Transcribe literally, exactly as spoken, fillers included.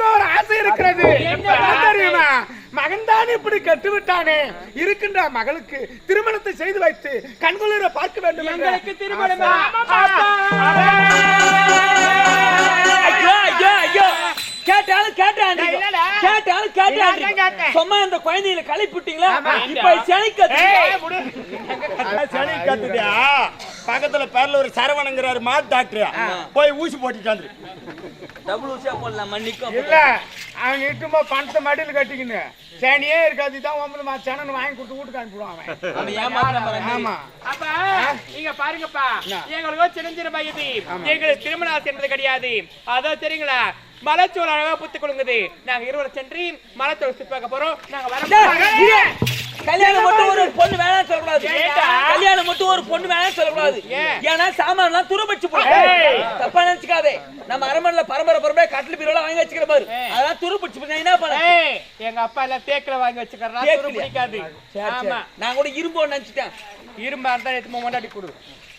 எனக்கு ஒரு ஆசை இருக்கிறது. தெரியுமா, மகன்தான் இப்படி கட்டு விட்டானே, இருக்கின்ற மகளுக்கு திருமணத்தை செய்து வைத்து கண்குளிர பார்க்க வேண்டும். எங்களுக்கு திருமணம் கேட்டாலும் கேட்டாலும் கேட்டாலும் கேட்டாலும் சும்மா அந்த குழந்தைகளை கழிப்பிட்டீங்களா? இப்ப சனி சனி கத்துட்டியா? பக்கத்துல பேர்ல ஒரு சரவணங்கிறாரு மாட்டு டாக்டர், போய் ஊசி போட்டுட்டாரு. டபுள் ஊசியா போடலாம் மன்னிக்கும். இல்ல அவன் இட்டுமா பணத்தை மடியில் கட்டிக்கின்னு சேனியே இருக்காது தான் ஒன்பது சேனன் வாங்கி கொடுத்து வீட்டுக்கு அனுப்பிடுவான். ஆமா அப்பா நீங்க பாருங்கப்பா, எங்களுக்கு சின்ன சின்ன பையது எங்களுக்கு திருமணம் ஆசை என்பது கிடையாது. அதான் தெரியுங்களா, மலைச்சோறு அழகா புத்து கொடுங்குது. நாங்க இருவரும் சென்று மலைச்சோறு சுத்தி பார்க்க போறோம். நாங்க வர கல்யாணம் மட்டும் ஒரு பொண்ணு வேணாம் சொல்லக்கூடாது. கல்யாணம் மட்டும் ஒரு பொண்ணு வேணாம் சொல்லக்கூடாது. ஏன்னா சாமான் எல்லாம் துருபடிச்சு போடும். தப்பா நினைச்சுக்காதே. நம்ம அரண்மனையில பரம்பரை பரம்பரை கட்டில் பீரோல வாங்கி வச்சுக்கிற பாரு, அதெல்லாம் துருபடிச்சு போய் என்ன பண்ண? எங்க அப்பா எல்லாம் தேக்கில வாங்கி வச்சுக்கிறா, துரு பிடிக்காது. ஆமா, நான் கூட இரும்பு நினைச்சிட்டேன். இரும்பா இருந்தா எடுத்து மொண்டாட்டி கொடு.